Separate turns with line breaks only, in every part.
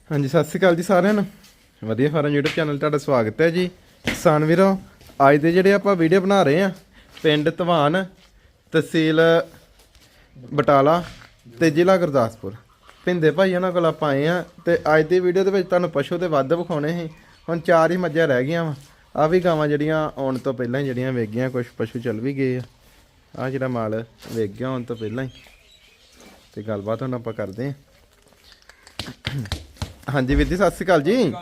ਹਾਂਜੀ ਸਤਿ ਸ਼੍ਰੀ ਅਕਾਲ ਜੀ ਸਾਰਿਆਂ ਨੂੰ। ਵਧੀਆ ਫਾਰਮ YouTube ਚੈਨਲ ਤੁਹਾਡਾ ਸਵਾਗਤ ਹੈ ਜੀ। ਕਿਸਾਨ ਵੀਰੋ, ਅੱਜ ਦੇ ਜਿਹੜੇ ਆਪਾਂ ਵੀਡੀਓ ਬਣਾ ਰਹੇ ਆ ਪਿੰਡ ਧਵਾਨ, ਤਹਿਸੀਲ ਬਟਾਲਾ ਤੇ ਜ਼ਿਲ੍ਹਾ ਗੁਰਦਾਸਪੁਰ, ਭਿੰਦੇ ਭਾਈ ਉਹਨਾਂ ਕੋਲ ਆਪਾਂ ਆਏ ਆ। ਤੇ ਅੱਜ ਦੀ ਵੀਡੀਓ ਦੇ ਵਿੱਚ ਤੁਹਾਨੂੰ ਪਸ਼ੂ ਤੇ ਵੱਧ ਵਿਖਾਉਣੇ ਸੀ। ਹੁਣ 4 ਹੀ ਮੱਝਾਂ ਰਹਿ ਗਈਆਂ ਵਾ। ਆ ਵੀ ਗਾਵਾਂ ਜਿਹੜੀਆਂ ਆਉਣ ਤੋਂ ਪਹਿਲਾਂ ਹੀ ਜਿਹੜੀਆਂ ਵੇਚ ਗਈਆਂ, ਕੁਝ ਪਸ਼ੂ ਚੱਲ ਵੀ ਗਏ ਆ। ਆ ਜਿਹੜਾ ਮਾਲ ਵੇਚ ਗਿਆ ਆਉਣ ਤੋਂ ਪਹਿਲਾਂ ਹੀ, ਤੇ ਗੱਲਬਾਤ ਹੁਣ ਆਪਾਂ ਕਰਦੇ ਆ। ਹਾਂਜੀ ਵੀਰ ਜੀ ਸਤਿ ਸ਼੍ਰੀ ਅਕਾਲ ਜੀ।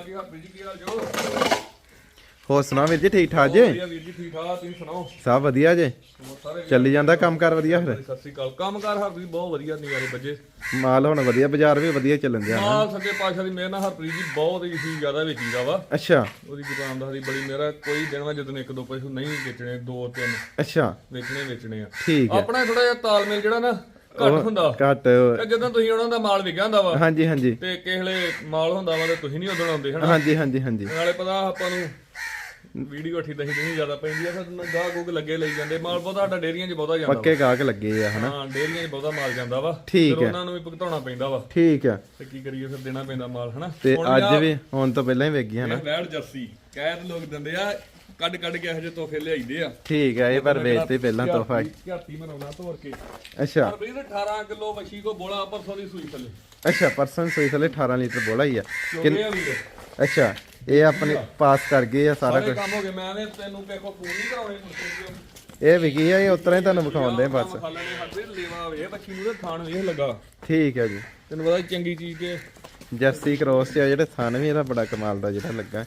ਹੋਰ ਸੁਣਾ ਵੀਰ ਜੀ, ਠੀਕ ਠਾਕ ਜੀ? ਸਭ ਵਧੀਆ ਜੇ, ਚੱਲੀ ਜਾਂਦਾ ਕੰਮ ਕਾਰ ਵਧੀਆ? ਫਿਰ
ਸਤਿ ਸ਼੍ਰੀ ਅਕਾਲ। ਕੰਮ ਕਾਰ ਹਰਪ੍ਰੀਤ ਬਹੁਤ ਵਧੀਆ ਨਿਗਾਰੇ ਬੱਜੇ,
ਮਾਲ ਹੁਣ ਵਧੀਆ, ਬਾਜ਼ਾਰ ਵੀ ਵਧੀਆ ਚੱਲਣ ਦਿਆ
ਮਾਲ ਸੱਚੇ ਪਾਤਸ਼ਾਹ ਦੀ ਮਿਹਰ ਨਾਲ ਹਰਪ੍ਰੀਤ ਜੀ ਬਹੁਤ ਹੀ ਜ਼ਿਆਦਾ ਵੇਚੀਦਾ ਵਾ।
ਅੱਛਾ,
ਉਹਦੀ ਦੁਕਾਨਦਾਰੀ ਬੜੀ ਮਿਹਰ ਆ। ਕੋਈ ਦਿਨ ਵਾ ਜਦੋਂ ਇੱਕ ਦੋ ਪਸ਼ੂ ਨਹੀਂ ਵੇਚਣੇ, 2-3
ਅੱਛਾ
ਵੇਚਣੇ ਆ।
ਠੀਕ ਹੈ।
ਆਪਣਾ ਥੋੜਾ ਜਿਹਾ ਤਾਲਮੇਲ ਜਿਹੜਾ ਨਾ ਘੱਟ ਹੁੰਦਾ,
ਘੱਟ
ਤੇ ਜਦੋਂ ਤੁਸੀਂ ਉਹਨਾਂ ਦਾ ਮਾਲ ਵਿਕਿਆ ਹੁੰਦਾ ਵਾ,
ਹਾਂਜੀ ਹਾਂਜੀ,
ਤੇ ਕਿਸੇ ਵੇਲੇ ਮਾਲ ਹੁੰਦਾ ਵਾ ਤੇ ਤੁਸੀਂ ਨਹੀਂ ਉਦੋਂ ਆਉਂਦੇ ਹਨਾ।
ਹਾਂਜੀ ਹਾਂਜੀ ਹਾਂਜੀ,
ਨਾਲੇ ਪਤਾ ਆਪਾਂ ਨੂੰ ਵੀਡੀਓ ਅੱਠੀ ਦਹੀ ਨਹੀਂ ਜ਼ਿਆਦਾ ਪੈਂਦੀ ਆ, ਫਿਰ ਗਾਹ ਗੂਗ ਲੱਗੇ ਲਈ ਜਾਂਦੇ। ਮਾਲ ਬਹੁਤਾ ਸਾਡਾ ਡੇਰੀਆਂ 'ਚ ਬਹੁਤਾ ਜਾਂਦਾ,
ਪੱਕੇ ਗਾਹਕ ਲੱਗੇ ਆ ਹਨਾ।
ਹਾਂ ਡੇਰੀਆਂ 'ਚ ਬਹੁਤਾ ਮਾਲ ਜਾਂਦਾ ਵਾ,
ਠੀਕ
ਫਿਰ
ਹੈ।
ਉਹਨਾਂ ਨੂੰ ਵੀ ਭੁਗਤਾਉਣਾ ਪੈਂਦਾ ਵਾ।
ਠੀਕ ਆ,
ਤੇ ਕੀ ਕਰੀਏ, ਫਿਰ ਦੇਣਾ ਪੈਂਦਾ ਮਾਲ ਹਨਾ।
ਤੇ ਅੱਜ ਵੀ ਹੁਣ ਤੋਂ ਪਹਿਲਾਂ ਹੀ ਵੇਚ ਗਈ ਹਨਾ।
ਵੈੜ ਜਰਸੀ ਕਹਿ ਲੋਕ ਦਿੰਦੇ ਆ, ਕੱਢ ਕੇ ਇਹੋ ਜਿਹੇ ਤੋਹਫੇ ਲਿਆਈਦੇ ਆ।
ਠੀਕ ਹੈ, ਇਹ ਪਰ ਵੇਚਦੇ ਪਹਿਲਾਂ ਤੋਹਫਾ।
ਝਾਤੀ ਮਨਾਉਣਾ ਤੋਰ ਕੇ।
ਅੱਛਾ,
ਪਰ 18 ਕਿਲੋ ਵਛੀ ਕੋ ਬੋਲਾ ਪਰਸੋਂ ਦੀ ਸੂਈ ਥੱਲੇ।
ਅੱਛਾ ਪਰਸਨ ਸੋਈ ਥੱਲੇ 18 ਲੀਟਰ ਬੋਲਾ ਹੀ ਆ।
ਚੋਗੇ ਆ ਵੀਰ,
ਅੱਛਾ, ਇਹ ਆਪਣੇ ਪਾਸ ਕਰ ਗਏ ਆ ਸਾਰਾ
ਸਾਰੇ
ਕੁਝ।
ਕੰਮ ਹੋ ਗਏ। ਮੈਂ ਨੇ ਤੈਨੂੰ ਕਿਹੋ ਫੋਨ ਨਹੀਂ ਕਰਾਉਣੇ ਮੁੰਡੇ।
ਇਹ ਵਿਕੀ ਆ, ਇਹ ਉਤਰਾ ਹੀ ਤੁਹਾਨੂੰ ਵਿਖਾਉਂਦੇ ਆ ਬਸ।
ਖਾਲੇ ਨੇ ਹੱਦੇ ਲੇਵਾ ਵੇ ਬੱਚੀ ਨੂੰ ਤੇ ਥਾਣ ਵੇਖ ਲੱਗਾ।
ਠੀਕ ਹੈ ਜੀ,
ਤੈਨੂੰ ਪਤਾ ਚੰਗੀ ਚੀਜ਼ ਤੇ
ਜਰਸੀ ਕ੍ਰੋਸ ਤੇ ਆ ਜਿਹੜੇ ਥਣ ਵੀ ਇਹਦਾ ਬੜਾ ਕਮਾਲ ਦਾ ਜਿਹੜਾ ਲੱਗਾ।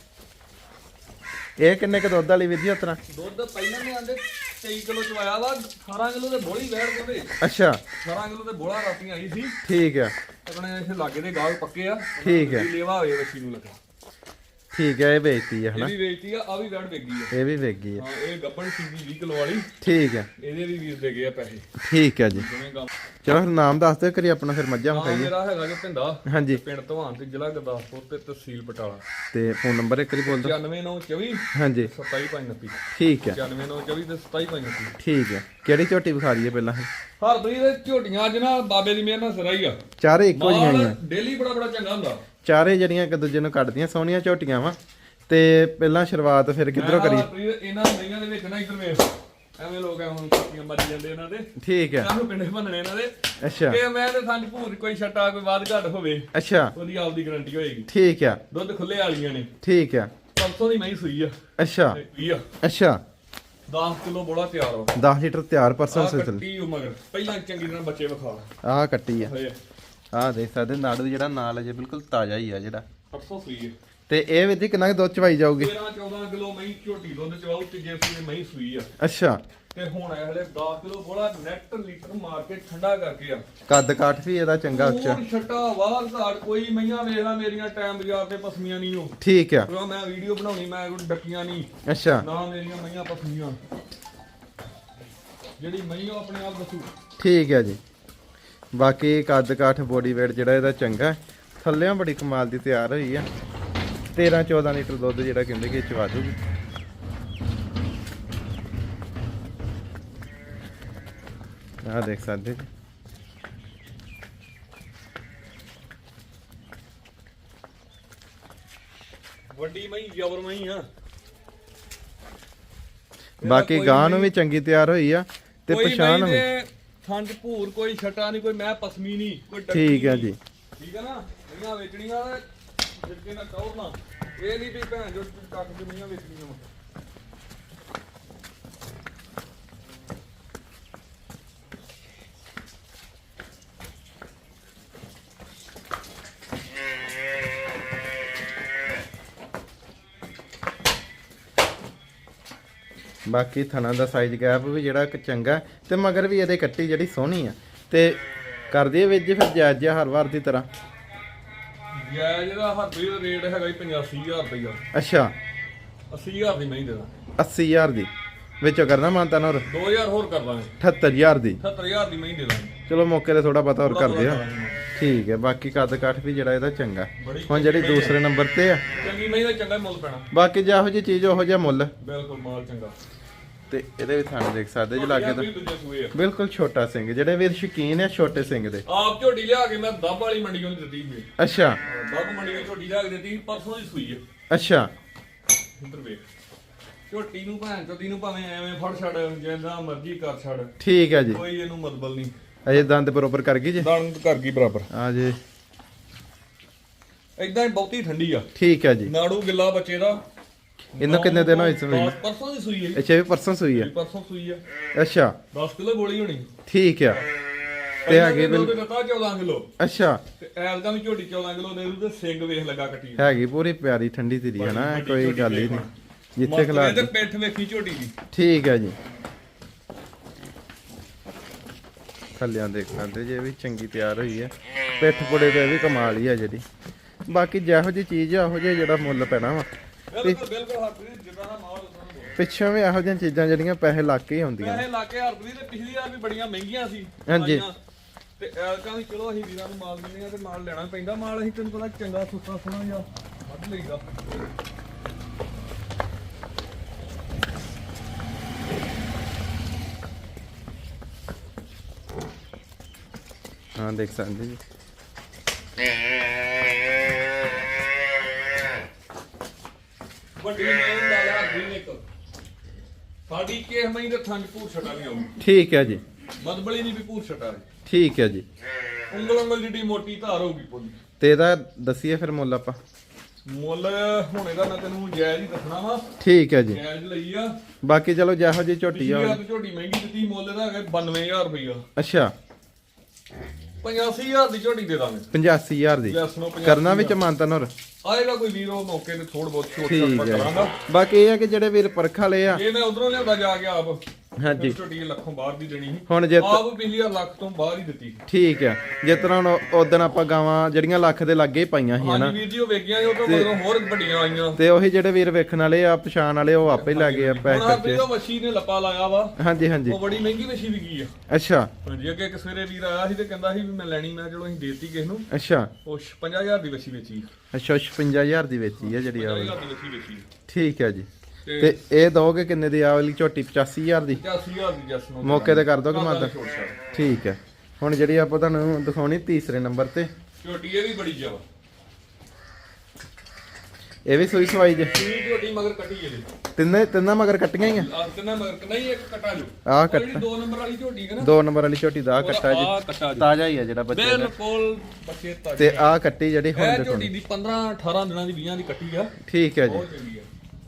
ਇਹ ਕਿੰਨੇ ਕ ਦੁੱਧ ਵਾਲੀ ਵੀਰ ਜੀ ਉਤਰਾ?
ਦੁੱਧ ਪਹਿਲਾਂ ਨੇ ਆਂਦੇ 23 ਕਿਲੋ ਚਵਾਇਆ ਵਾ। 18 ਕਿਲੋ ਤੇ ਬੋਲੀ ਵੈੜ ਕੋਲੇ।
ਅੱਛਾ,
18 ਕਿਲੋ ਤੇ ਬੋਲਾ ਰਾਤੀ ਆਈ ਸੀ।
ਠੀਕ ਹੈ,
ਆਪਣੇ ਇੱਥੇ ਲਾਗੇ ਦੇ ਗਾਹਕ ਪੱਕੇ ਆ।
ਠੀਕ ਹੈ।
ਲੇਵਾ ਹੋਵੇ ਬੱਚੀ ਨੂੰ ਲੱਗਾ।
ਠੀਕ ਹੈ, ਇਹ ਵੇਚਤੀ ਆ
ਇਹ
ਹਨਾ।
ਵੀ ਵੇਚਤੀ ਆ ਵੀ ਵੈੜ ਵਿਕ ਗਈ ਆ।
ਇਹ ਵੀ ਵਿਕ ਗਈ ਆ।
ਹਾਂ ਇਹ ਗੱਬਣ ਸੀਗੀ 20 ਕਿਲੋ ਵਾਲੀ।
ਠੀਕ ਹੈ,
ਇਹਦੇ ਵੀ ਵੀਰ ਦੇ ਗਏ ਆ ਪੈਸੇ।
ਠੀਕ ਹੈ ਜੀ।
ਜਿਵੇਂ ਕੰਮ
ਚਲੋ ਫਿਰ ਨਾਮ ਦੱਸ ਦਿਓ ਕਰੀ ਆਪਣਾ, ਫਿਰ ਮੱਝਾਂ
ਹਾਂ
ਵਿਖਾਈਏ।
ਮੇਰਾ ਹੈਗਾ ਜੀ ਭਿੰਦਾ,
ਹਾਂਜੀ,
ਪਿੰਡ ਧਵਾਨ ਤੇ ਜ਼ਿਲ੍ਹਾ ਗੁਰਦਾਸਪੁਰ ਤੇ ਤਹਿਸੀਲ ਬਟਾਲਾ।
ਤੇ ਫੋਨ ਨੰਬਰ ਇੱਕ ਵਾਰੀ ਬੋਲ ਦਿਓ।
94924
ਹਾਂਜੀ,
27529।
ਠੀਕ ਹੈ
94924 ਤੇ 27529।
ਠੀਕ ਹੈ। ਕਿਹੜੀ ਝੋਟੀ ਵਿਖਾ ਲਈਏ ਪਹਿਲਾਂ?
ਹਰਪ੍ਰੀਤ ਦੇ ਝੋਟੀਆਂ ਅੱਜ ਨਾ ਬਾਬੇ ਦੀ ਮਿਹਰ ਨਾਲ ਸਿਰਾ ਹੀ ਆ।
ਚਾਰੇ ਇੱਕੋ ਜਿਹੀਆਂ ਹੀ ਆ।
ਡੇਲੀ ਬੜਾ ਚੰਗਾ ਹੁੰਦਾ।
ਚਾਰੇ ਜਿਹੜੀਆਂ ਇੱਕ ਦੂਜੇ ਨੂੰ ਕੱਢਦੀਆਂ ਸੋਹਣੀਆਂ ਝੋਟੀਆਂ ਵਾ। ਤੇ ਪਹਿਲਾਂ ਸ਼ੁਰੂਆਤ ਫਿਰ ਕਿੱਧਰੋਂ ਕਰੀ?
ਹਰਪ੍ਰੀਤ ਇਹਨਾਂ ਮਈਆਂ ਦੇ ਵਿੱਚ ਨਾ ਇੱਧਰ ਵੇਖ, ਐਵੇਂ ਲੋਕ ਹੁਣ ਕੁੱਤੀਆਂ ਮੱਜ ਜਾਂਦੇ ਇਹਨਾਂ ਦੇ।
ਠੀਕ ਹੈ,
ਸਾਨੂੰ ਪਿੰਡੇ ਭੰਨਣੇ ਇਹਨਾਂ ਦੇ।
ਅੱਛਾ
ਕਿ ਮੈਂ ਤੇ ਸੰਜ ਭੂਰ ਕੋਈ ਛੱਟਾ ਕੋਈ ਵਾਧ ਘੱਟ ਹੋਵੇ,
ਅੱਛਾ,
ਉਹਦੀ ਆਪਦੀ ਗਾਰੰਟੀ ਹੋਏਗੀ।
ਠੀਕ ਆ,
ਦੁੱਧ ਖੁੱਲੇ ਵਾਲੀਆਂ ਨੇ।
ਠੀਕ ਆ,
ਪਰਸੋਂ ਦੀ ਮੈਂ ਸੂਈ ਆ।
ਅੱਛਾ
20 ਆ,
ਅੱਛਾ,
10 ਕਿਲੋ ਬੋਲਾ ਤਿਆਰ ਵਾ।
10 ਲੀਟਰ ਤਿਆਰ ਪਰਸਨ
ਆਹ
ਸਿਲਸਿਲੇ।
ਕੱਟੀ ਉਹ ਮਗਰ ਪਹਿਲਾਂ ਚੰਗੀ ਤਰ੍ਹਾਂ ਬੱਚੇ ਵਿਖਾ
ਆਹ ਕੱਟੀ ਆ,
ਹੋਏ।
ਆਹ ਦੇਖ ਸਕਦੇ ਨਾੜੂ ਜਿਹੜਾ ਨਾਲ ਅਜੇ ਬਿਲਕੁਲ ਤਾਜ਼ਾ ਹੀ ਆ ਜਿਹੜਾ।
ਪਰਸੋਂ ਸੂਈ ਆ।
ਤੇ ਇਹ ਵੀ ਕਿੰਨਾ ਕੁ ਦੁੱਧ ਚਵਾਈ ਜਾਊਗੀ?
13-14 ਕਿਲੋ ਮਹੀਂ ਝੋਟੀ ਦੁੱਧ ਚਵਾਉ ਤੇ ਜੇ ਸੂਈ ਮਹੀਂ ਸੂਈ ਆ।
ਅੱਛਾ,
ਤੇ ਹੁਣ ਇਹ ਹਲੇ 10 ਕਿਲੋ ਬੋਲਾ ਨੈਟ ਲੀਟਰ ਮਾਰ ਕੇ ਠੰਡਾ ਕਰਕੇ ਆ।
ਕੱਦ ਕਾਠ ਵੀ ਇਹਦਾ ਚੰਗਾ ਉੱਚਾ।
ਹੋਰ ਛੱਟਾ ਵਾਰ ਘਾਟ ਕੋਈ ਮਈਆਂ ਵੇਖ ਲੈ ਮੇਰੀਆਂ ਟਾਈਮ ਬਾਜ਼ਾਰ ਤੇ ਪਸਮੀਆਂ ਨਹੀਂ ਹੋ।
ਠੀਕ ਆ,
ਕਿਉਂ ਮੈਂ ਵੀਡੀਓ ਬਣਾਉਣੀ, ਮੈਂ ਕੋਈ ਡੱਕੀਆਂ ਨਹੀਂ
ਅੱਛਾ,
ਨਾ ਮੇਰੀਆਂ ਮਈਆਂ ਪਸਮੀਆਂ। ਜਿਹੜੀ ਮਈ ਉਹ ਆਪਣੇ ਆਪ ਦੱਸੂ।
ਠੀਕ ਹੈ ਜੀ। ਬਾਕੀ ਕੱਦ ਕਾਠ ਬੋਡੀ ਵੇਟ ਜਿਹੜਾ ਇਹਦਾ ਚੰਗਾ। ਥੱਲਿਆਂ ਬੜੀ ਕਮਾਲ ਦੀ ਤਿਆਰ ਹੋਈ ਆ। 13-14 ਲੀਟਰ ਦੁੱਧ ਜਿਹੜਾ ਕਹਿੰਦੇ ਕਿ ਚਵਾ ਦੂਗੀ। ਆਹ ਦੇਖ ਸਕਦੇ ਜੀ।
ਵੱਡੀ ਮਈ ਜਬਰ ਮਈ ਆ।
ਬਾਕੀ ਗਾਂ ਨੂੰ ਵੀ ਚੰਗੀ ਤਿਆਰ ਹੋਈ ਆ ਤੇ ਪਛਾਣ ਵੀ।
ਥੰਡ ਭੂਰ ਕੋਈ ਛਟਾ ਨਹੀਂ, ਕੋਈ ਮੈਂ ਪਸਮੀ ਨਹੀਂ, ਕੋਈ ਡੱਕੀ
ਠੀਕ ਹੈ
ਨਹੀਂ।
ਜੀ,
ਠੀਕ ਹੈ ਨਾ। ਮਈਆਂ ਵੇਚਣੀਆਂ ਜਿੱਕੇ ਨਾ ਟੌਰਨਾ। ਇਹ ਨਹੀਂ ਵੀ ਭੈਣ ਜੋ ਕੱਕ ਦੀ ਮਈਆਂ ਵੇਚਣੀਆਂ ਵਾ।
ਬਾਕੀ ਥਣਾ ਦਾ ਸਾਈਜ਼ ਗੈਪ ਵੀ ਜਿਹੜਾ ਇੱਕ ਚੰਗਾ। ਤੇ ਮਗਰ ਵੀ ਇਹਦੇ ਕੱਟੀ ਜਿਹੜੀ ਸੋਹਣੀ ਆ। ਤੇ ਕਰਦੀ ਵਿੱਚ ਫਿਰ ਜਾਇਜ਼ ਜਿਹਾ ਹਰ ਵਾਰ ਦੀ ਤਰ੍ਹਾਂ।
ਜਾਇਜ਼ ਦਾ ਹਰਪ੍ਰੀਤ ਦਾ ਰੇਟ ਹੈਗਾ ਜੀ 85,000 ਰੁਪਇਆ।
ਅੱਛਾ,
80,000 ਦੀ ਮਹੀਂ ਦੇਣਾ।
80,000 ਦੀ ਵਿੱਚੋਂ ਕਰਨਾ ਮਾਨਤਾ ਹੋਰ
2000 ਹੋਰ ਕਰ ਦਾਂਗੇ।
78,000 ਦੀ।
70000 ਦੀ ਮਹੀਂ ਦੇ ਦਾਂਗੇ।
ਚਲੋ ਮੌਕੇ ਤੇ ਥੋੜਾ ਬਹੁਤਾ ਹੋਰ ਕਰਦੇ ਆ। ਠੀਕ ਹੈ। ਬਾਕੀ ਕੱਦ ਕਾਠ ਵੀ ਜਿਹੜਾ ਇਹਦਾ ਚੰਗਾ। ਹੁਣ ਜਿਹੜੀ ਦੂਸਰੇ ਨੰਬਰ ਤੇ ਆ,
ਚੰਗੀ ਮਹੀਂ ਦਾ ਚੰਗਾ ਮੁੱਲ ਪੈਣਾ।
ਬਾਕੀ ਜਿਹੋ ਜਿਹੀ ਚੀਜ਼ ਉਹੋ ਜਿਹਾ ਮੁੱਲ।
ਬਿਲਕੁਲ ਮਾਲ ਚੰਗਾ।
ਤੇ ਇਹਦੇ ਵੀ ਥਣ ਦੇਖ ਸਕਦੇ ਜੀ ਲਾਗੇ ਤੋਂ
ਦੂਜੇ ਸੂਏ ਆ
ਬਿਲਕੁਲ ਛੋਟਾ ਸਿੰਘ, ਜਿਹੜੇ ਵੀਰ ਸ਼ੌਕੀਨ ਆ ਛੋਟੇ ਸਿੰਘ ਦੇ।
ਆਪ ਝੋਟੀ ਲਿਆ ਕੇ ਮੈਂ ਦੱਬ ਵਾਲੀ ਮੰਡੀ ਨੂੰ ਦਿੱਤੀ ਸੀ।
ਅੱਛਾ
ਦੱਬ ਮੰਡੀ ਵਿੱਚ ਝੋਟੀ ਲਿਆ ਕੇ ਦਿੱਤੀ ਪਰਸੋਂ ਦੀ ਸੂਈ ਹੈ।
ਅੱਛਾ
ਇੱਧਰ ਵੇਖ ਝੋਟੀ ਨੂੰ ਭੈਣ ਚੋਦੀ ਨੂੰ ਭਾਵੇਂ ਐਵੇਂ ਫੜ ਛੱਡ ਜਿੰਦਾ ਮਰਜ਼ੀ ਕਰ ਛੱਡ,
ਠੀਕ ਹੈ ਜੀ।
ਕੋਈ ਇਹਨੂੰ ਮਤਲਬ ਨਹੀਂ।
ਅਜੇ ਦੰਦ ਬਰੋਬਰ ਕਰ ਗਈ ਜੀ,
ਦੰਦ ਕਰ ਗਈ ਬਰਾਬਰ।
ਆ ਜੀ
ਇਦਾਂ ਹੀ ਬਹੁਤੀ ਠੰਡੀ ਆ।
ਠੀਕ ਹੈ ਜੀ।
ਨਾੜੂ ਗਿੱਲਾ ਬੱਚੇ ਦਾ।
ਇਹਨੂੰ ਕਿੰਨੇ ਦਿਨ ਹੋਏ ਸੂਈ?
ਪਰਸੋਂ ਦੀ ਸੂਈ ਹੈ।
ਅੱਛਾ ਇਹ ਪਰਸੋਂ ਸੂਈ ਹੈ।
ਪਰਸੋਂ ਸੂਈ ਆ।
ਅੱਛਾ
10 ਕਿਲੋ ਗੋਲੀ ਹੋਣੀ।
ਠੀਕ ਆ। ਤੇ ਹੈਗੇ
ਬਿਲਕੁਲ ਦਿੱਤਾ 14 ਕਿਲੋ।
ਅੱਛਾ
ਤੇ ਐਲਗਾ ਵੀ ਝੋਟੀ 14 ਕਿਲੋ ਦੇ ਦੂ ਤੇ ਸਿੰਘ ਵੇਖ ਲੱਗਾ ਕੱਟੀ।
ਹੈਗੀ ਪੂਰੀ ਪਿਆਰੀ ਠੰਡੀ ਧੀਰੀ ਹੈ ਨਾ, ਕੋਈ ਗੱਲ ਹੀ ਨਹੀਂ। ਜਿੱਥੇ ਖਿਲਾ
ਤੇ ਪਿੱਠ ਵੇਖੀ ਝੋਟੀ ਦੀ।
ਠੀਕ ਹੈ ਜੀ। ਥੱਲਿਆਂ ਦੇਖ ਸਕਦੇ ਜੇ ਵੀ ਚੰਗੀ ਤਿਆਰ ਹੋਈ ਹੈ। ਪਿੱਠ ਪੁੜੇ ਤੇ ਵੀ ਕਮਾਲ ਹੀ ਆ ਜਿਹੜੀ। ਬਾਕੀ ਜਿਹੋ ਜੀ ਚੀਜ਼ ਆ ਉਹੋ ਜਿਹਾ ਜਿਹੜਾ ਮੁੱਲ ਪੈਣਾ ਵਾ।
ਬਿਲਕੁਲ ਬਿਲਕੁਲ ਹਰਪ੍ਰੀਤ ਜਿੱਦਾਂ ਦਾ ਮਾਹੌਲ ਉਦਾਂ ਦਾ ਮਾਹੌਲ।
ਪਿੱਛੋਂ ਵੀ ਇਹੋ ਜਿਹੀਆਂ ਚੀਜ਼ਾਂ ਜਿਹੜੀਆਂ ਪੈਸੇ ਲੱਗ ਕੇ ਹੀ ਹੁੰਦੀਆਂ।
ਪੈਸੇ ਲਾ ਕੇ ਹਰਪ੍ਰੀਤ ਤੇ ਪਿਛਲੀ ਵਾਰ ਵੀ ਬੜੀਆਂ ਮਹਿੰਗੀਆਂ ਸੀ।
ਹਾਂਜੀ।
ਤੇ ਐਲਕਾਂ ਵੀ ਚਲੋ ਅਸੀਂ ਵੀਰਾਂ ਨੂੰ ਮਾਲ ਦਿੰਦੇ ਆ ਤੇ ਮਾਲ ਲੈਣਾ ਪੈਂਦਾ। ਮਾਲ ਅਸੀਂ ਤੈਨੂੰ ਪਤਾ ਚੰਗਾ ਸੁੱਤਾ ਸੋਹਣਾ ਜਿਹਾ ਵੱਧ ਲਈਦਾ।
ਹਾਂ ਦੇਖ ਸਕਦੇ ਜੀ।
ਵੱਡੀ ਮੇਨ ਦਾ ਯਾਰ ਵੀ ਇੱਕ ਸਾਡੀ ਕੇਸ ਮਈ ਦੇ ਥੰਜ ਭੂਰ ਛਟਾ ਨਹੀਂ ਆਉਗੀ।
ਠੀਕ ਹੈ ਜੀ।
ਮਦਬਲੀ ਨਹੀਂ ਵੀ ਭੂਰ ਛਟਾ।
ਠੀਕ ਹੈ ਜੀ।
ਉਂਗਲ ਜਿੱਡੀ ਮੋਟੀ ਧਾਰ ਹੋਊਗੀ ਪੂਰੀ।
ਤੇ ਇਹਦਾ ਦੱਸੀਏ ਫਿਰ ਮੁੱਲ ਆਪਾਂ।
ਮੁੱਲ ਹੁਣ ਇਹਦਾ ਮੈਂ ਤੈਨੂੰ ਜਾਇਜ਼ ਹੀ ਦੱਸਣਾ ਵਾ।
ਠੀਕ ਹੈ ਜੀ।
ਜਾਇਜ਼ ਲਈ ਆ।
ਬਾਕੀ ਚਲੋ ਜਿਹੋ ਜੀ ਝੋਟੀ ਆ।
ਝੋਟੀ ਮਹਿੰਗੀ ਦਿੱਤੀ, ਮੁੱਲ ਇਹਦਾ ਹੈਗਾ 92000 ਰੁਪਇਆ।
ਅੱਛਾ
85000 ਦੀ ਝੋਟੀ ਦੇ ਦਾਂਗੇ।
85000 ਦੀ
ਯੈਸ ਨੋ।
ਕਰਨਾ ਵਿੱਚ ਮਾਨਤਨ ਹੋਰ
ਆਏਗਾ ਕੋਈ ਵੀਰ ਉਹ ਮੌਕੇ ਤੇ ਥੋੜ ਬਹੁਤ ਛੋਟ
ਠੀਕ
ਛਾਟ
ਹੈ।
ਕਰਾਂਗਾ।
ਬਾਕੀ ਇਹ ਹੈ ਕਿ ਜਿਹੜੇ ਵੀਰ ਪਰਖ ਵਾਲੇ ਆ,
ਇਹ ਮੈਂ ਉਧਰੋਂ ਲਿਆਉਂਦਾ ਜਾ ਕੇ ਆਪ।
ਹਾਂਜੀ
ਝੋਟੀ ਲੱਖੋਂ ਬਾਹਰ ਦੀ ਦੇਣੀ ਸੀ।
ਹੁਣ ਜੇ
ਆਪ ਪਿਛਲੀ ਵਾਰ ਲੱਖ ਤੋਂ ਬਾਹਰ ਹੀ ਦਿੱਤੀ।
ਠੀਕ ਹੈ। ਜਿਸ ਤਰ੍ਹਾਂ ਹੁਣ ਉਦਣ ਆਪਾਂ ਗਾਵਾਂ ਜਿਹੜੀਆਂ ਲੱਖ ਦੇ ਲਾਗੇ ਹੀ ਪਾਈਆਂ ਸੀ ਹਨਾ,
ਹਾਂਜੀ ਵੀਰ ਜੀ ਉਹ ਵੇਖੀਆਂ ਉਹ ਤੋਂ ਮਗਰੋਂ ਹੋਰ ਵੱਡੀਆਂ ਆਈਆਂ।
ਤੇ ਉਹੀ ਜਿਹੜੇ ਵੀਰ ਵੇਖਣ ਵਾਲੇ ਆ ਪਛਾਣ ਵਾਲੇ ਉਹ ਆਪੇ ਲੈ ਗਏ ਆ ਪੈਸੇ
ਹੁਣ
ਕਰਕੇ।
ਆਪੇ ਉਹ ਮੱਛੀ ਨੇ ਲੱਪਾ ਲਾਇਆ ਵਾ।
ਹਾਂਜੀ ਹਾਂਜੀ।
ਉਹ ਬੜੀ ਮਹਿੰਗੀ ਮੱਛੀ ਵਿਕੀ ਆ।
ਅੱਛਾ
ਹਾਂਜੀ ਅੱਗੇ ਇੱਕ ਸਵੇਰੇ ਵੀਰ ਆਇਆ ਸੀ ਤੇ ਕਹਿੰਦਾ ਸੀ ਵੀ ਮੈਂ ਲੈਣੀ। ਮੈਂ ਚਲੋ ਅਸੀਂ ਦੇਤੀ ਕਿਸ ਨੂੰ।
ਅੱਛਾ
ਉਹ 50000 ਦੀ ਮੱਛੀ ਵੇਚੀ।
ਅੱਛਾ 55000 ਦੀ ਵੇਚੀ ਹੈ ਜਿਹੜੀ ਆ ਵਾਲੀ।
50000 ਦੀ ਮੱਛੀ ਵੇਚੀ।
ਠੀਕ ਹੈ ਜੀ। ਤੇ ਇਹ ਦੋਗੇ ਕਿੰਨੇ ਦੀ ਆ ਵਾਲੀ ਝੋਟੀ? 85000 ਦੀ
85000 ਦੀ ਜਸ ਨੂੰ
ਮੌਕੇ ਤੇ ਕਰ ਦੋਗੇ ਮਾਦਾ?
ਛੋਟ ਛਾਟ।
ਠੀਕ ਹੈ। ਹੁਣ ਜਿਹੜੀ ਆਪਾਂ ਤੁਹਾਨੂੰ ਦਿਖਾਉਣੀ ਤੀਸਰੇ ਨੰਬਰ ਤੇ,
ਝੋਟੀ ਇਹ ਵੀ ਬੜੀ ਜਵਾ।
ਇਹ ਵੀ ਸੂਈ ਸਵਾਈ ਜੇ?
ਇਹ ਝੋਟੀ ਮਗਰ ਕੱਟੀ ਇਹਦੇ।
ਤਿੰਨਾਂ ਮਗਰ ਕੱਟੀਆਂ ਹੀ ਆ?
ਤਿੰਨਾਂ ਮਗਰ ਨਹੀਂ ਇੱਕ ਕੱਟਾ ਜੋ।
ਆਹ
ਜਿਹੜੀ
ਕੱਟਾ
2 ਨੰਬਰ ਵਾਲੀ ਝੋਟੀ ਹੈ ਨਾ।
2 ਨੰਬਰ ਵਾਲੀ ਝੋਟੀ ਦਾ ਆਹ ਕੱਟਾ
ਆਹ
ਜੀ
ਕੱਟਾ ਜੋ।
ਤਾਜ਼ਾ ਹੀ ਆ ਜਿਹੜਾ ਬੱਚੇ ਦਾ।
ਬਿਲਕੁਲ ਬੱਚੇ ਤਾਜ਼ੇ।
ਤੇ ਆਹ ਕੱਟੀ ਜਿਹੜੀ ਹੁਣ
ਇਹ
ਦਿਖਾਉਣੀ।
ਝੋਟੀ ਦੀ 15 18 ਦਿਨਾਂ ਦੀ 20 ਦੀ ਕੱਟੀ ਆ।
ਠੀਕ ਹੈ ਜੀ।
ਬਹੁਤ ਚੰਗੀ ਆ।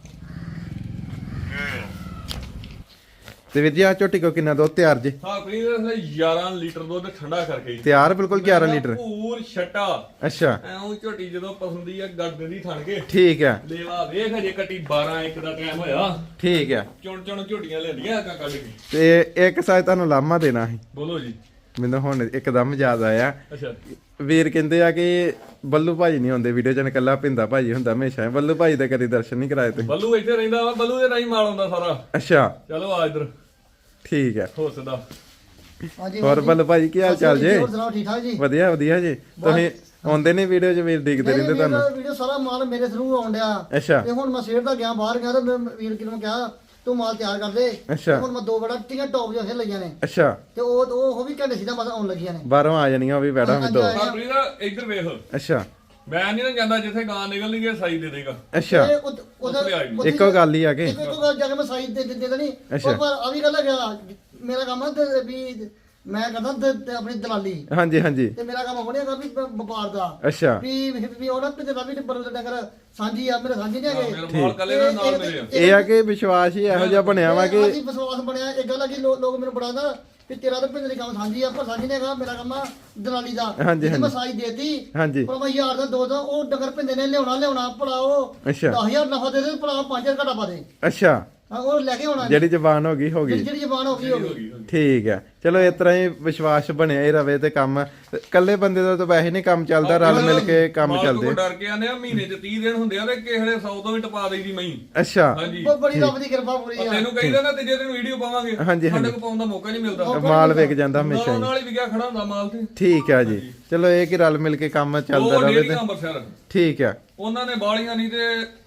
ਤੇ ਵਿਦਿਆ ਝੋਟੀ ਕੋ ਕਿੰਨਾ ਦੁੱਧ ਤਿਆਰ ਜੇ?
ਹਾਂ ਫਰੀਦ 11 ਲੀਟਰ ਦੁੱਧ ਠੰਡਾ ਕਰਕੇ।
ਤਿਆਰ ਬਿਲਕੁਲ 11 ਲੀਟਰ।
ਪੂਰ ਛੱਟਾ।
ਅੱਛਾ
ਐਉਂ ਝੋਟੀ ਜਦੋਂ ਪਸੰਦੀ ਆ ਗੱਡ ਦੀ ਥਣ ਕੇ।
ਠੀਕ ਹੈ।
ਲੇਵਾ ਵੇਖ ਹਜੇ ਕੱਟੀ 12 1 ਦਾ ਟਾਈਮ ਹੋਇਆ।
ਠੀਕ ਹੈ।
ਚੁਣ ਚੁਣ ਝੋਟੀਆਂ ਲੈਂਦੀਆਂ ਕਾ ਕੱਢ ਕੇ।
ਤੇ ਇੱਕ ਸਾਇ ਤੁਹਾਨੂੰ ਲਾਮਾ ਦੇਣਾ ਸੀ,
ਬੋਲੋ ਜੀ।
ਮੈਨੂੰ ਹੁਣ ਇੱਕਦਮ ਯਾਦ ਆਇਆ।
ਅੱਛਾ
ਵੀਰ ਕਹਿੰਦੇ ਆ ਕਿ ਬੱਲੂ ਭਾਜੀ ਨਹੀਂ ਹੁੰਦੇ ਵੀਡੀਓ ਚ, ਇਕੱਲਾ ਭਿੰਦਾ ਭਾਜੀ ਹੁੰਦਾ ਹਮੇਸ਼ਾ। ਬੱਲੂ ਭਾਜੀ ਦਾ ਕਦੀ ਦਰਸ਼ਨ ਨਹੀਂ ਕਰਾਏ ਤੁਸੀਂ?
ਬੱਲੂ ਇੱਥੇ ਰਹਿੰਦਾ ਵਾ। ਬੱਲੂ ਦੇ ਰਾਹੀਂ ਮਾਲ ਆਉਂਦਾ ਸਾਰਾ।
ਅੱਛਾ
ਚਲੋ ਆ ਇਧਰ
ਠੀਕ ਹੈ।
ਹੋ ਸਦਾ।
ਹਾਂਜੀ
ਹੋਰ ਬੱਲੂ ਭਾਜੀ ਕੀ ਹਾਲ ਚਾਲ ਜੇ?
ਹੋਰ ਸੁਣਾਓ ਠੀਕ ਠਾਕ ਜੀ?
ਵਧੀਆ ਵਧੀਆ ਜੀ। ਤੁਸੀਂ ਆਉਂਦੇ ਨੇ ਵੀਡੀਓ ਚ, ਵੀਰ ਦੇਖਦੇ ਰਹਿੰਦੇ ਤੁਹਾਨੂੰ।
ਵੀਡੀਓ ਸਾਰਾ ਮਾਲ ਮੇਰੇ ਥਰੂ ਆਉਣ ਡਿਆ।
ਅੱਛਾ
ਤੇ ਹੁਣ ਮੈਂ ਸਵੇਰ ਦਾ ਗਿਆ ਬਾਹਰ ਗਿਆ ਤੇ ਮੈਂ ਵੀਰ ਕਿਨੂੰ ਕਿਹਾ ਤੂੰ ਮਾਲ ਤਿਆਰ ਕਰ ਦੇ।
ਅੱਛਾ।
ਹੁਣ ਮੈਂ 2 ਬੜਾ ਟੀਆਂ ਟੌਪ ਜਿਹਾ ਲਈਆਂ ਨੇ
ਅੱਛਾ
ਤੇ ਉਹ ਵੀ ਘੰਟੇ ਸਿੱਧਾ ਬਸ ਆਉਣ ਲੱਗੀਆਂ ਨੇ।
ਬਾਹਰੋਂ ਆ ਜਾਣੀਆਂ ਉਹ ਵੀ ਬੈਠਾ ਵੀ ਦੋ।
ਫਰੀਦ ਇੱਧਰ ਵੇਖ।
ਅੱਛਾ
ਮੈਂ ਨਹੀਂ ਨਾ ਜਾਂਦਾ ਜਿੱਥੇ ਗਾਂ ਨਿਕਲਣੀ ਹੈ ਸਾਈ ਦੇ ਦੇਗਾ।
ਅੱਛਾ
ਤੇ ਉਹਦਾ
ਇੱਕੋ ਗੱਲ ਹੀ ਆ ਕੇ।
ਇੱਕੋ ਗੱਲ ਜਾ ਕੇ ਮੈਂ ਸਾਈਜ਼ ਦੇ ਦੇਣੀ।
ਅੱਛਾ।
ਪਰ ਆ ਵੀ ਗੱਲ ਹੈ ਮੇਰਾ ਕੰਮ ਹੈ ਤੇ ਵੀ ਮੈਂ ਕਰਦਾ ਤੇ ਆਪਣੀ ਦਲਾਲੀ।
ਹਾਂਜੀ ਹਾਂਜੀ।
ਤੇ ਮੇਰਾ ਕੰਮ ਹੋਣਿਆ ਕਰ ਵੀ ਵਪਾਰ ਦਾ।
ਅੱਛਾ
ਵੀ ਉਹਨਾਂ ਪਿੰਡ ਦਾ ਵੀ ਬਰਲ ਡੰਗਰ ਸਾਂਝੀ ਆ, ਮੇਰੇ ਸਾਂਝੀ ਨਹੀਂ ਹੈਗੇ।
ਮੇਰਾ ਮਾਲ ਕੱਲੇ ਦਾ ਨਾਲ ਮੇਰੇ ਆ।
ਇਹ ਆ ਕਿ ਵਿਸ਼ਵਾਸ ਹੀ ਇਹੋ ਜਿਹਾ ਬਣਿਆ ਵਾ ਕਿ
ਅਸੀਂ ਵਿਸ਼ਵਾਸ ਬਣਿਆ। ਇੱਕ ਗੱਲ ਆ ਕਿ ਲੋਕ ਮੈਨੂੰ ਬੜਾਉਂਦਾ ਵੀ ਤੇਰਾ ਤਾਂ ਪਿੰਡ ਦੀ ਕੰਮ ਸਾਂਝੀ ਆ, ਪਰ ਸਾਂਝੀ ਨਹੀਂ ਹੈਗਾ। ਮੇਰਾ ਕੰਮ ਆ ਦਲਾਲੀ ਦਾ।
ਹਾਂਜੀ,
ਜੇ ਮੈਂ ਸਾਈ ਦੇਤੀ
ਹਾਂਜੀ
ਪਰ ਮੈਂ 1000 ਦਾ 2 ਦਾ ਉਹ ਡੰਗਰ ਪਿੰਦੇ ਨੇ ਲਿਆਉਣਾ ਪੜਾਓ।
ਅੱਛਾ
10000 ਨਫਾ ਦੇ ਦੇ, ਪੜਾਓ 5000 ਘਟਾ ਪਾ ਦੇ।
ਅੱਛਾ
ਹਾਂ ਉਹ ਲੈ ਕੇ ਆਉਣਾ।
ਜਿਹੜੀ ਜ਼ਬਾਨ ਹੋ ਗਈ ਹੋ ਗਈ।
ਜਿਹੜੀ ਜ਼ਬਾਨ ਹੋ ਗਈ।
ਠੀਕ ਹੈ। ਚਲੋ ਇਸ ਤਰ੍ਹਾਂ ਹੀ ਵਿਸ਼ਵਾਸ ਬਣਿਆ ਹੀ ਰਵੇ ਤੇ ਕੰਮ ਇਕੱਲੇ ਬੰਦੇ ਦਾ ਤਾਂ ਵੈਸੇ ਨਹੀਂ ਕੰਮ ਚੱਲਦਾ, ਰਲ ਮਿਲ ਕੇ ਕੰਮ
ਮਾਲ
ਚੱਲਦੇ।
ਤੋਂ ਡਰ ਕੇ ਆਨੇ ਆ ਮਹੀਨੇ ਚ 30 ਦਿਨ ਹੁੰਦੇ ਆ ਤੇ ਕਿਸੇ ਵੇਲੇ 100 ਤੋਂ ਵੀ ਟਪਾ ਦੇਈਦੀ ਮਈ।
ਅੱਛਾ
ਹਾਂਜੀ
ਬੜੀ ਰੱਬ ਦੀ ਕਿਰਪਾ ਪੂਰੀ ਆ।
ਤੈਨੂੰ ਕਹੀਦਾ ਨਾ ਤੀਜੇ ਦਿਨ ਵੀਡੀਓ ਪਾਵਾਂਗੇ।
ਹਾਂਜੀ,
ਸਾਡੇ ਕੋਲ ਪਾਉਣ ਦਾ ਮੌਕਾ ਨਹੀਂ ਮਿਲਦਾ।
ਮਾਲ ਵਿਕ ਜਾਂਦਾ ਹਮੇਸ਼ਾ ਹੀ।
ਨਾਲ ਹੀ ਵਿਕਿਆ ਖੜਾ ਹੁੰਦਾ ਮਾਲ ਤੇ।
ਠੀਕ ਹੈ ਜੀ। ਚਲੋ ਇਹ ਕਿ ਰਲ ਮਿਲ ਕੇ ਕੰਮ ਚੱਲਦਾ
ਉਹ
ਰਵੇ
ਡੇਰੀ
ਤੇ
ਅੰਮ੍ਰਿਤਸਰ
ਠੀਕ ਹੈ।
ਉਹਨਾਂ ਨੇ ਬਾਲੀਆਂ ਨਹੀਂ ਤੇ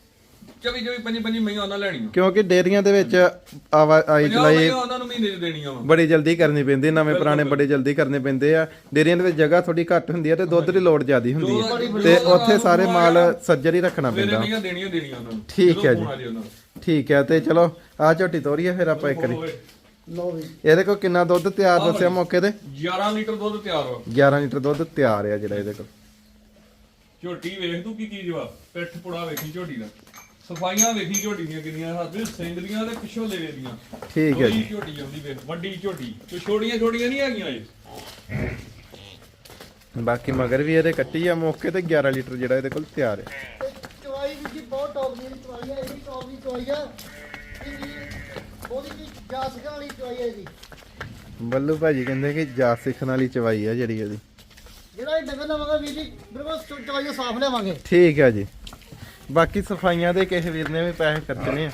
24 25 ਮਹੀਆਂ ਉਹਨਾਂ ਲੈਣੀਆਂ
ਕਿਉਂਕਿ ਡੇਰੀਆਂ ਦੇ ਵਿੱਚ ਆਈ ਚਲਾਈ
ਉਹਨਾਂ ਨੂੰ ਮਹੀਨੇ ਚ ਦੇਣੀਆਂ ਵਾ
ਬੜੀ ਜਲਦੀ ਕਰਨੀ ਪੈਂਦੀ, ਨਵੇਂ ਪੁਰਾਣੇ ਬੜੇ ਜਲਦੀ ਕਰਨੇ ਪੈਂਦੇ ਆ। ਡੇਰੀਆਂ ਦੇ ਵਿੱਚ ਜਗ੍ਹਾ ਥੋੜੀ ਘੱਟ ਹੁੰਦੀ ਆ ਤੇ ਦੁੱਧ ਦੀ ਲੋੜ ਜ਼ਿਆਦੀ ਹੁੰਦੀ ਹੈ ਤੇ ਉੱਥੇ ਸਾਰੇ ਮਾਲ ਸੱਜਰ ਹੀ ਰੱਖਣਾ ਪੈਂਦਾ।
ਮਹੀਆਂ ਦੇਣੀਆਂ ਉਹਨਾਂ ਨੂੰ।
ਠੀਕ ਹੈ ਜੀ, ਠੀਕ ਹੈ। ਤੇ ਚਲੋ ਆ ਝੋਟੀ ਤੋਰੀਏ ਫਿਰ ਆਪਾਂ ਇੱਕ ਵਾਰੀ।
ਲਓ ਵੀ
ਇਹਦੇ ਕੋਲ ਕਿੰਨਾ ਦੁੱਧ ਤਿਆਰ ਦੱਸਿਆ ਮੌਕੇ ਤੇ?
11 ਲੀਟਰ ਦੁੱਧ ਤਿਆਰ ਵਾ।
11 ਲੀਟਰ ਦੁੱਧ ਤਿਆਰ ਆ ਜਿਹੜਾ ਇਹਦੇ ਕੋਲ।
ਝੋਟੀ ਵੇਖ ਤੂੰ ਕੀ ਚੀਜ਼ ਵਾ, ਪਿੱਠ ਪੁੜਾ ਵੇਖੀ ਝੋਟੀ ਦਾ, ਸਫਾਈਆਂ ਵੇਖੀ ਝੋਟੀ ਦੀਆਂ ਕਿੰਨੀਆਂ, ਹੱਥ ਸਿੰਘ ਦੀਆਂ ਤੇ ਪਿੱਛੋਂ ਲੇਵੇ ਦੀਆਂ।
ਠੀਕ ਹੈ ਜੀ,
ਝੋਟੀ ਆਉਂਦੀ ਵੇਖ, ਵੱਡੀ ਝੋਟੀ, ਕੋਈ ਛੋਟੀਆਂ ਨਹੀਂ ਹੈਗੀਆਂ ਇਹ।
ਬਾਕੀ ਮਗਰ ਵੀ ਇਹਦੇ ਕੱਟੀ ਆ ਮੌਕੇ ਤੇ 11 ਲੀਟਰ ਜਿਹੜਾ ਇਹਦੇ ਕੋਲ ਤਿਆਰ ਹੈ।
ਤੇ ਚਵਾਈ ਵੀ ਜੀ ਬਹੁਤ ਟੌਪ ਦੀ ਚਵਾਈ ਹੈ, ਇਹਦੀ ਟੌਪ ਦੀ ਚਵਾਈ ਆ। ਉਹਦੀ ਵੀ ਜਾ ਸਕਣ ਵਾਲੀ ਚਵਾਈ ਹੈ ਜੀ।
ਬੱਲੂ ਭਾਜੀ ਕਹਿੰਦੇ ਕਿ ਜਾ ਸਿੱਖਣ ਵਾਲੀ ਚਵਾਈ ਆ ਜਿਹੜੀ ਇਹਦੀ।
ਜਿਹੜਾ ਇਹ ਡੰਗਰ ਲਵਾਂਗੇ ਵੀਰ ਜੀ ਬਿਲਕੁਲ ਚਵਾਈ ਸਾਫ਼ ਲਿਆਵਾਂਗੇ।
ਠੀਕ ਹੈ ਜੀ। ਬਾਕੀ ਸਫਾਈਆਂ ਦੇ ਕਿਸੇ ਵੀਰ ਨੇ ਵੀ ਪੈਸੇ ਖਰਚਣੇ ਆ।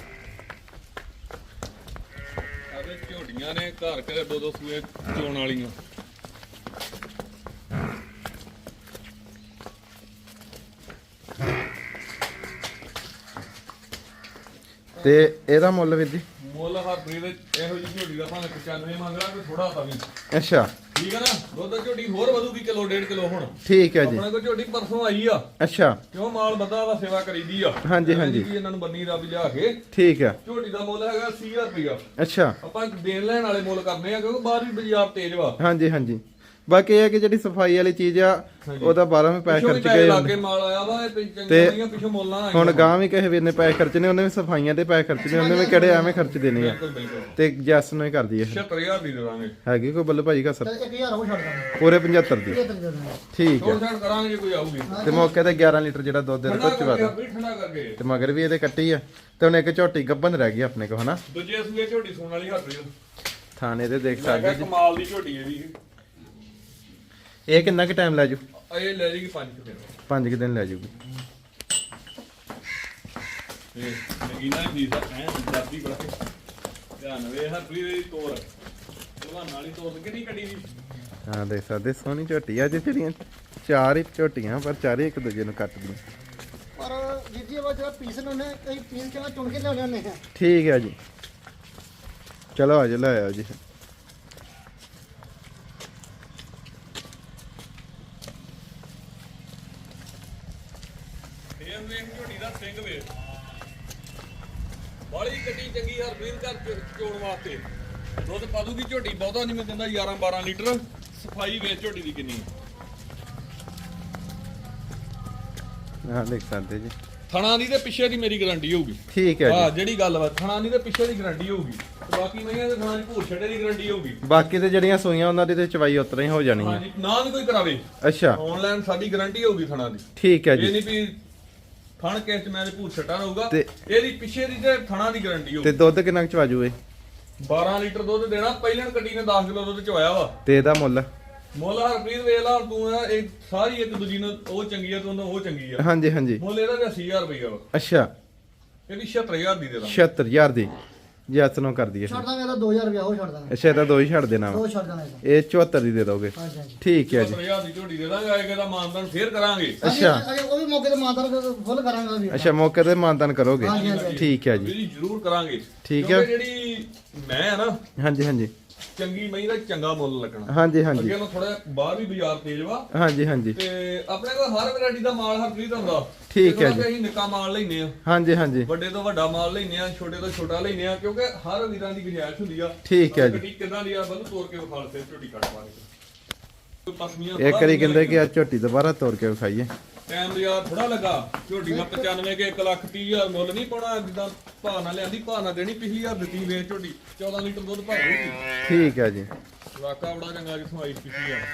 ਆਵੇ ਝੋਟੀਆਂ ਨੇ ਘਰ ਘਰ ਦੋ ਸੂਏ ਚੋਣ ਵਾਲੀਆਂ।
ਤੇ ਇਹਦਾ ਮੁੱਲ ਵੀਰ ਜੀ?
ਮੁੱਲ ਹਰਪ੍ਰੀਤ ਇਹੋ ਜਿਹੀ ਝੋਟੀ ਦਾ ਭਾਵੇਂ 95 ਮੰਗਦਾ ਕੋਈ ਥੋੜਾ ਤਾਂ ਵੀ
ਅੱਛਾ,
ਠੀਕ ਹੈ ਨਾ। ਦੁੱਧ ਝੋਟੀ ਹੋਰ ਵਧੂਗੀ ਕਿਲੋ 1.5 ਕਿਲੋ ਹੁਣ।
ਠੀਕ ਹੈ ਜੀ।
ਆਪਣੇ ਕੋਲ ਝੋਟੀ ਪਰਸੋਂ ਆਈ ਆ।
ਅੱਛਾ,
ਕਿਉਂ ਮਾਲ ਬੰਦਾ ਵਾ ਸੇਵਾ ਕਰੀਦੀ ਆ।
ਹਾਂਜੀ, ਹਾਂਜੀ।
ਜੀ ਇਹਨਾਂ ਨੂੰ ਬੰਨੀ ਰੱਬ ਲਿਆ ਕੇ।
ਠੀਕ ਹੈ।
ਝੋਟੀ ਦਾ ਮੁੱਲ ਹੈਗਾ 80000 ਰੁਪਇਆ।
ਅੱਛਾ,
ਆਪਾਂ ਦੇਣ ਲੈਣ ਵਾਲੇ ਮੁੱਲ ਕਰਨੇ ਆ ਕਿਉਂਕਿ ਬਾਹਰ ਵੀ ਬਾਜ਼ਾਰ ਤੇਜ਼ ਵਾ।
ਹਾਂਜੀ ਹਾਂਜੀ। ਬਾਕੀ ਇਹ ਹੈ ਕਿ ਜਿਹੜੀ ਸਫਾਈ ਵਾਲੀ ਚੀਜ਼ ਆ ਉਹਦਾ 12 ਵੀ ਪੈਸੇ ਖਰਚ ਗਏ
ਲਾਗੇ ਮਾਲ ਆਇਆ ਵਾ ਇਹ ਚੰਗੀਆਂ ਪਿੱਛੋਂ ਮੁੱਲ ਨਾ ਆਇਆ।
ਹੁਣ ਗਾਂ ਵੀ ਕਿਸੇ ਵੀਰ ਨੇ ਪੈਸੇ ਖਰਚਣੇ, ਉਹਨੇ ਵੀ ਸਫਾਈਆਂ ਦੇ ਪੈਸੇ ਖਰਚਣੇ, ਉਹਨੇ ਵੀ ਕਿਹੜੇ ਐਵੇਂ ਖਰਚ ਦੇਣੇ ਆ।
ਬਿਲਕੁਲ ਬਿਲਕੁਲ
ਤੇ ਜੈਸ ਨੂੰ ਹੀ ਕਰਦੀ ਹੈ।
76000 ਦੀ ਦੇ ਦਾਂਗੇ।
ਹੈਗੀ ਕੋਈ ਬੱਲੂ ਭਾਜੀ ਕਸਰ?
1000 ਉਹ ਛੱਡ ਦਾਂਗੇ
ਪੂਰੇ 75 ਦੀ।
ਇਹ ਤਰੀਕੇ ਨਾਲ
ਠੀਕ ਹੈ।
ਛੋੜ ਛਾੜ ਕਰਾਂਗੇ ਜੇ ਕੋਈ ਆਊਗੀ।
ਤੇ ਮੌਕੇ ਤੇ 11 ਲੀਟਰ ਜਿਹੜਾ ਦੁੱਧ ਇਹਦੇ ਕੋਲ ਚਵਾ ਦੋ।
ਠੰਡਾ ਕਰਕੇ
ਤੇ ਮਗਰ ਵੀ ਇਹਦੇ ਕੱਟੀ ਆ ਤੇ ਹੁਣ ਇੱਕ ਝੋਟੀ ਗੱਬਨ ਰਹਿ ਗਈ ਆਪਣੇ ਕੋਲ, ਹਨਾ?
ਦੂਜੇ ਸੂਏ ਝੋਟੀ ਸੂਣ ਵਾਲੀ ਹੱਥ
ਥਾਣੇ ਤੇ ਦੇਖ
ਮੈਂ
ਸਕਦੇ ਜੀ।
ਕਮਾਲ ਦੀ ਝੋਟੀ ਹੈ ਵੀ।
ਇਹ ਕਿੰਨਾ ਕੁ ਟਾਈਮ ਲੈ ਜੂ?
ਇਹ ਲੈ ਜੇਗੀ 5 ਦਿਨ।
5 ਦਿਨ ਲੈ ਜੂਗੀ।
ਤੇ ਨਗੀਨਾ ਵੀ ਦਾ ਐ ਜੱਦੀ ਬੜਾ ਧਿਆਨ ਵੇ ਹਰਪ੍ਰੀਤ ਦੀ ਤੋਰ ਜਵਾਨ ਵਾਲੀ ਤੋਰ ਕਿੰਨੀ ਕੱਢੀ ਦੀ।
ਹਾਂ ਦੇਖ ਸਕਦੇ ਸੋਹਣੀ ਝੋਟੀ ਆ। ਅੱਜ ਜਿਹੜੀਆਂ ਚਾਰ ਹੀ ਝੋਟੀਆਂ ਪਰ ਚਾਰੇ ਇੱਕ ਦੂਜੇ ਨੂੰ ਕੱਟਦੀਆਂ।
ਪਰ ਵੀਰ ਜੀ ਉਹ ਜਿਹੜਾ ਪੀਸ ਨੇ ਉਹਨੇ ਕਈ ਪੀਸ ਕਿਹੜਾ ਚੁਣ ਕੇ ਲਿਆਉਣੇ ਹੁੰਦੇ ਆ।
ਠੀਕ ਹੈ ਜੀ, ਚਲੋ ਆ ਜਾ ਲੈ ਆਓ ਜੀ।
ਇਹ ਵੇਖ ਝੋਟੀ ਦਾ ਸਿੰਘ ਵੇ ਬਾਲੀ ਕੱਟੀ ਚੰਗੀ ਹਰਪ੍ਰੀਤ ਘਰ ਚੋਣ ਵਾਸਤੇ। ਦੁੱਧ ਪਾ ਦੂਗੀ ਝੋਟੀ, ਬਹੁਤਾ ਨਹੀਂ ਮੈਂ ਦਿੰਦਾ 11 12 ਲੀਟਰ। ਸਫਾਈ ਵੇਚ ਝੋਟੀ ਦੀ ਕਿੰਨੀ।
ਹਾਂ ਦੇਖ ਸਕਦੇ ਜੀ।
ਥਣਾ ਦੀ ਤੇ ਪਿੱਛੇ ਦੀ ਮੇਰੀ ਗਾਰੰਟੀ ਹੋਊਗੀ।
ਠੀਕ ਹੈ
ਹਾਂ
ਜੀ।
ਜਿਹੜੀ ਗੱਲ ਵਾ ਥਣਾ ਦੀ ਤੇ ਪਿੱਛੇ ਦੀ ਗਾਰੰਟੀ ਹੋਊਗੀ। ਤੇ ਬਾਕੀ ਮਈਆਂ ਦੇ ਥਣਾ ਦੀ ਭੂਰ ਛੱਡੇ ਦੀ ਗਾਰੰਟੀ ਹੋਊਗੀ।
ਬਾਕੀ ਤੇ ਜਿਹੜੀਆਂ ਸੂਈਆਂ ਉਹਨਾਂ ਦੀ ਤੇ ਚਵਾਈ ਉਤਰਾ ਹੀ ਹੋ ਜਾਣੀ ਹੈ।
ਹਾਂਜੀ ਨਾ ਵੀ ਕੋਈ ਕਰਾਵੇ।
ਅੱਛਾ,
ਆਨਲਾਈਨ ਸਾਡੀ ਗਾਰੰਟੀ ਹੋਊਗੀ ਥਣਾ ਦੀ।
ਠੀਕ ਹੈ
ਇਹ
ਜੀ।
ਨਹੀਂ ਵੀ ਥਣ ਕੇਸ ਮੈਂ ਤੇ ਭੂਰ ਛੱਟਾ ਰਹੂਗਾ।
ਤੇ
ਇਹਦੀ ਪਿੱਛੇ ਦੀ ਤੇ ਥਣਾ ਦੀ ਗਾਰੰਟੀ
ਤੇ
ਹੋਊਗੀ।
ਦੁੱਧ ਕਿੰਨਾ ਕੁ ਚਵਾ ਜੂ ਇਹ?
12 ਲੀਟਰ ਦੁੱਧ ਦੇਣਾ। ਪਹਿਲਾਂ ਕੱਟੀ ਨੇ 10 ਕਿਲੋ ਦੁੱਧ ਚਵਾਇਆ ਵਾ।
ਤੇ ਇਹਦਾ ਮੁੱਲ?
ਮੁੱਲ ਹਰਪ੍ਰੀਤ ਵੇਖ ਲਾ ਤੂੰ ਆ ਇਹ ਸਾਰੀ ਇੱਕ ਦੂਜੀ ਨੂੰ ਉਹ ਚੰਗੀ ਆ ਤੂੰ ਉਹ ਚੰਗੀ ਆ।
ਹਾਂਜੀ ਹਾਂਜੀ।
ਮੁੱਲ ਇਹਦਾ ਵੀ 80000 ਰੁਪਇਆ ਵਾ।
ਅੱਛਾ,
ਇਹਦੀ 76000 ਦੀ ਦੇ ਦਾਂ।
76000 ਦੀ ਜੈਸ ਨੂੰ ਕਰ ਦਈਏ।
ਛੱਡ ਦਾਂਗੇ ਇਹਦਾ 2000 ਰੁਪਇਆ ਉਹ ਛੱਡ ਦਾਂਗੇ।
ਅੱਛਾ, ਇਹਦਾ ਦੋ ਹੀ ਛੱਡ ਦੇਣਾ ਵਾ।
ਉਹ ਛੱਡ ਦਾਂਗੇ ਇਹਦਾ।
ਇਹ 74 ਦੀ ਦੇ ਦੋਗੇ?
ਹਾਂਜੀ ਹਾਂਜੀ
ਠੀਕ ਹੈ ਜੀ।
76000 ਦੀ ਝੋਟੀ ਦੇ ਦਾਂਗੇ। ਆਏਗਾ ਦਾ ਮਾਨਦਾਨ ਫੇਰ ਕਰਾਂਗੇ।
ਅੱਛਾ।
ਅਜੇ ਉਹ ਵੀ ਮੌਕੇ ਤੇ ਮਾਨਦਾਨ ਫੁੱਲ ਕਰਾਂਗੇ ਵੀਰ।
ਅੱਛਾ, ਮੌਕੇ ਤੇ ਮਾਨਦਾਨ ਕਰੋਗੇ?
ਹਾਂਜੀ, ਹਾਂਜੀ।
ਠੀਕ ਹੈ ਜੀ।
ਜੀ ਜ਼ਰੂਰ ਕਰਾਂਗੇ।
ਠੀਕ ਹੈ।
ਕਿਉਂਕਿ ਜਿਹੜੀ ਮੈਂ ਆ ਨਾ
ਹਾਂਜੀ ਹਾਂਜੀ
ਚੰਗੀ ਮਹੀਂ ਦਾ ਚੰਗਾ ਮੁੱਲ ਲੱਗਣਾ।
ਹਾਂਜੀ ਹਾਂਜੀ
ਅੱਗੇ ਨੂੰ ਥੋੜਾ ਬਾਹਰ ਵੀ ਬਾਜ਼ਾਰ ਤੇਜ਼ ਵਾ।
ਹਾਂਜੀ ਹਾਂਜੀ।
ਤੇ ਆਪਣੇ ਕੋਲ ਹਰ ਵੈਰਾਈਟੀ ਦਾ ਮਾਲ ਹਰਪ੍ਰੀਤ ਹੁੰਦਾ।
ਠੀਕ ਹੈ ਜੀ।
ਅਸੀਂ ਨਿੱਕਾ ਮਾਲ ਲੈਨੇ ਆ,
ਹਾਂਜੀ ਹਾਂਜੀ।
ਵੱਡੇ ਤੋਂ ਵੱਡਾ ਮਾਲ ਲੈਨੇ ਆ, ਛੋਟੇ ਤੋਂ ਛੋਟਾ ਲੈਨੇ ਆ ਕਿਉਂਕਿ ਹਰ ਵੀਰਾਂ ਦੀ ਗੁੰਜਾਇਸ਼ ਹੁੰਦੀ ਆ।
ਠੀਕ ਹੈ ਜੀ।
ਗੱਡੀ ਕਿਦਾਂ ਦੀ ਆ ਬੰਦ ਤੋੜ ਕੇ ਵਿਖਾਲ ਤੇ ਝੋਟੀ ਕੱਟ ਪਾ ਕੇ ਪਸਮੀਆਂ
ਇੱਕ ਵਾਰੀ ਕਹਿੰਦੇ ਕਿ ਆ ਝੋਟੀ ਦੁਬਾਰਾ ਤੋੜ ਕੇ ਵਿਖਾਈਏ।
ਟਾਈਮ ਯਾਰ ਥੋੜਾ ਲੱਗਾ। ਝੋਟੀ ਦਾ 95 ਕੇ 1,30,000 ਮੁੱਲ ਨਹੀਂ ਪਾਉਣਾ। ਜਿੱਦਾਂ ਭਾਅ ਨਾਲ ਲਿਆਂਦੀ ਭਾਅ ਨਾਲ ਦੇਣੀ। ਪਿਛਲੀ ਵਾਰ ਦਿੱਤੀ ਵੇਚ ਝੋਟੀ 14 ਲੀਟਰ ਦੁੱਧ ਭਰ ਗਈ।
ਠੀਕ ਹੈ ਜੀ।
ਵਾਕਾ ਬੜਾ ਚੰਗਾ ਜਿੱਥੋਂ ਆਈ ਪਿਛਲੀ ਵਾਰ।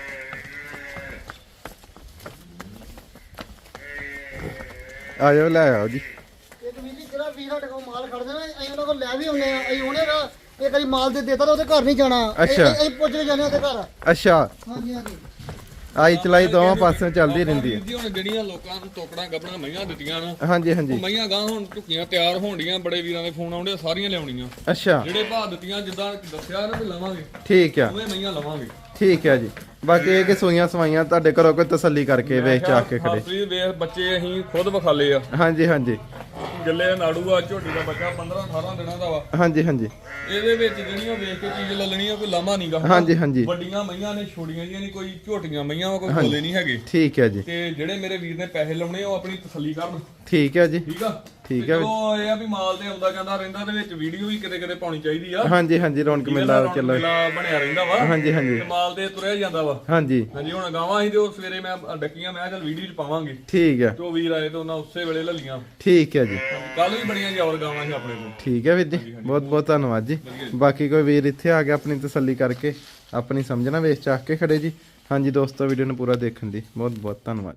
ਆ ਜਾਓ ਲੈ ਆਓ ਜੀ।
ਇੱਕ ਵੀਰ ਜੀ ਜਿਹੜਾ ਵੀਰ ਸਾਡੇ ਕੋਲ ਮਾਲ ਖੜਦੇ ਨੇ ਅਸੀਂ ਉਹਨਾਂ ਕੋਲ ਲੈ ਵੀ ਆਉਂਦੇ ਆ। ਅਸੀਂ ਉਹਨੇ ਦਾ ਇੱਕ ਵਾਰੀ ਮਾਲ ਦੇ ਦੇਤਾ ਤਾਂ ਉਹਦੇ ਘਰ ਨਹੀਂ ਜਾਣਾ।
ਅੱਛਾ।
ਅਸੀਂ ਪੁੱਛ ਕੇ ਜਾਂਦੇ ਉਹਦੇ ਘਰ।
ਅੱਛਾ,
ਹਾਂਜੀ ਹਾਂਜੀ
ਆਈ ਚਲਾਈ ਦੋਵਾਂ ਪਾਸਿਓਂ ਚੱਲਦੀ ਰਹਿੰਦੀ ਹੈ।
ਜੀ ਹੁਣ ਜਿਹੜੀਆਂ ਲੋਕਾਂ ਨੂੰ ਟੋਕੜਾਂ ਗੱਬਣਾ ਮਈਆਂ ਦਿੱਤੀਆਂ ਨਾ,
ਹਾਂਜੀ
ਉਹ
ਹਾਂਜੀ।
ਮਈਆਂ ਗਾਂ ਹੁਣ ਝੁੱਕੀਆਂ ਤਿਆਰ ਹੋਣਡੀਆਂ। ਬੜੇ ਵੀਰਾਂ ਦੇ ਫੋਨ ਆਉਂਦੇ ਸਾਰੀਆਂ ਲਿਆਉਣੀਆਂ।
ਅੱਛਾ,
ਜਿਹੜੇ ਭਾਅ ਦਿੱਤੀਆਂ ਜਿੱਦਾਂ ਦੱਸਿਆ ਨਾ ਵੀ ਲਵਾਂਗੇ
ਠੀਕ ਆ।
ਉਵੇਂ ਮਈਆਂ ਲਵਾਂਗੇ।
ਠੀਕ ਹੈ ਜੀ। ਬਾਕੀ ਇਹ ਕਿ ਸੂਈਆਂ ਸਵਾਈਆਂ ਤੁਹਾਡੇ ਘਰੋਂ ਕੋਈ ਤਸੱਲੀ ਕਰਕੇ ਵੇਚ ਚਾ ਕੇ ਖੜੇ।
ਤੁਸੀਂ ਵੇਖ ਬੱਚੇ ਅਸੀਂ ਖੁਦ ਵਿਖਾਲੇ ਆ।
ਹਾਂਜੀ ਹਾਂਜੀ।
ਗੱਲੇ ਨਾੜੂ ਆ, ਝੋਟੀ ਦਾ ਬੱਚਾ 15-18 ਦਿਨਾਂ ਦਾ ਵਾ।
ਹਾਂਜੀ ਹਾਂਜੀ
ਇਹਦੇ ਵਿੱਚ ਜਿਹੜੀਆਂ ਵੇਖ ਕੇ ਚੀਜ਼ ਲੱਲਣੀ ਆ, ਕੋਈ ਲਾਮਾ ਨਹੀਂਗਾ।
ਹਾਂਜੀ ਹਾਂਜੀ
ਵੱਡੀਆਂ ਮਈਆਂ ਨੇ, ਛੋਟੀਆਂ ਜੀਆਂ ਨਹੀਂ, ਕੋਈ ਝੋਟੀਆਂ ਮਈਆਂ ਵਾ, ਕੋਈ ਬੋਲੇ ਨਹੀਂ ਹੈਗੇ।
ਠੀਕ ਹੈ ਜੀ।
ਤੇ ਜਿਹੜੇ ਮੇਰੇ ਵੀਰ ਨੇ ਪੈਸੇ ਲਾਉਣੇ ਉਹ ਆਪਣੀ ਤਸੱਲੀ ਕਰਨ।
ਠੀਕ ਹੈ ਜੀ।
ਠੀਕ ਆ,
ਠੀਕ ਹੈ।
ਚਲੋ ਇਹ ਆ ਵੀ ਮਾਲ ਤੇ ਆਉਂਦਾ ਕਹਿੰਦਾ ਰਹਿੰਦਾ, ਦੇ ਵਿੱਚ ਵੀਡੀਓ ਵੀ ਕਿਤੇ ਕਿਤੇ ਪਾਉਣੀ ਚਾਹੀਦੀ ਆ।
ਹਾਂਜੀ ਹਾਂਜੀ ਰੌਣਕ ਮੇਲਾ ਚੱਲੋ।
ਮੇਲਾ ਬਣਿਆ ਰਹਿੰਦਾ ਵਾ।
ਹਾਂਜੀ ਹਾਂਜੀ
ਤੇ ਮਾਲ ਤੇ ਤੁਰਿਆ ਜਾਂਦਾ ਵਾ।
ਹਾਂਜੀ
ਹਾਂਜੀ ਹੁਣ ਗਾਵਾਂ ਸੀ ਤੇ ਉਹ ਸਵੇਰੇ ਮੈਂ ਡੱਕੀਆਂ, ਮੈਂ ਚੱਲ ਵੀਡੀਓ ਚ ਪਾਵਾਂਗੇ।
ਠੀਕ ਹੈ।
ਜੋ ਵੀਰ ਆਏ ਤੇ ਉਹਨਾਂ ਉਸੇ ਵੇਲੇ ਲੱਲੀਆਂ।
ਠੀਕ ਹੈ ਜੀ।
ਕੱਲ ਵੀ ਬੜੀਆਂ ਜੌਰ ਗਾਵਾਂ ਸੀ ਆਪਣੇ ਕੋਲ।
ਠੀਕ ਹੈ ਵੀਰ ਜੀ, ਬਹੁਤ ਬਹੁਤ ਧੰਨਵਾਦ ਜੀ। ਬਾਕੀ ਕੋਈ ਵੀਰ ਇੱਥੇ ਆ ਗਿਆ ਆਪਣੀ ਤਸੱਲੀ ਕਰਕੇ ਆਪਣੀ ਸਮਝਣਾ ਵੇਚ ਚਾਕ ਕੇ ਖੜੇ ਜੀ। ਹਾਂਜੀ ਦੋਸਤੋ, ਵੀਡੀਓ ਨੂੰ ਪੂਰਾ ਦੇਖਣ ਦੀ ਬਹੁਤ ਬਹੁਤ ਧੰਨਵਾਦ।